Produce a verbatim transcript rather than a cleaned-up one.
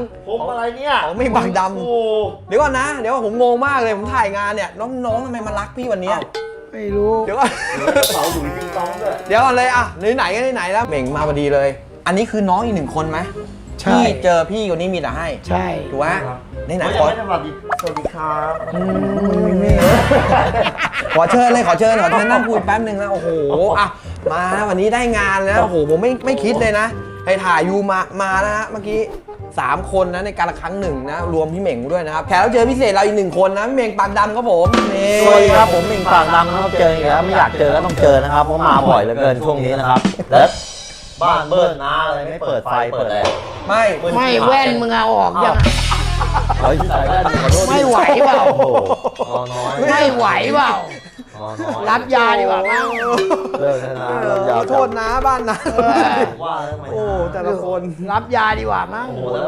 ผมอะไรเนี่ยของไม่บังดำโอ้เดี๋ยวก่อนนะเดี๋ยวผมงงมากเลยผมถ่ายงานเนี่ยน้องๆทำไมมารักพี่วันเนี้ยไม่รู้เดี๋ยวก่อนกระเป๋าหลุยส์วิตตองด้วยเดี๋ยวก่อนเลยอ่ะไหนๆก็ไหนๆแล้วเหม่งมาพอดีเลย อันนี้คือน้องอีกหนึ่งคนไหมใช่ที่เจอพี่คนนี้มีแต่ให้ใช่ถูกไหมไหนไม่ๆขอไม่สวัสดีสวัสดีครับขอเชิญเลยขอเชิญขอเชิญนั่งคุยแป๊บหนึ่งนะโอ้โหอ่ะมาวันนี้ได้งานแล้วโอ้โหผมไม่ไม่คิดเลยนะให้ถ่ายยูมามานะฮะเมื่อกี้สามคนนะในการละครั้งหนึ่งนะรวมพี่เหม่งด้วยนะครับแขกรับเชิญพิเศษเราอีกหนึ่งคนนะพี่เหม่งปากดำครับผมนี่สวัสดีครับผมมิงปากดำนะครับเจออีกแล้วไม่อยากเจอก็ต้องเจอนะครับเพราะมาบ่อยเหลือเกินช่วงนี้นะครับแล้วบ้านเบิ้ลน้าอะไรไม่เปิดไฟเปิดอะไรไม่ไม่แว่นมึงเอาออกยังเฮ้ยใส่แว่นขอโทษไม่ไหวเปล่าโอ้โหนอนน้อยไม่ไหวเปล่านอนน้อยรับยาดีกว่ามั้งเลิกแล้วนะเอเลิอกยาขอโทษนะบ้านนะว่าแล้วทำไมโอ้แต่ละคนรับยาดีกว่ามั้งโอ้โหแล้ว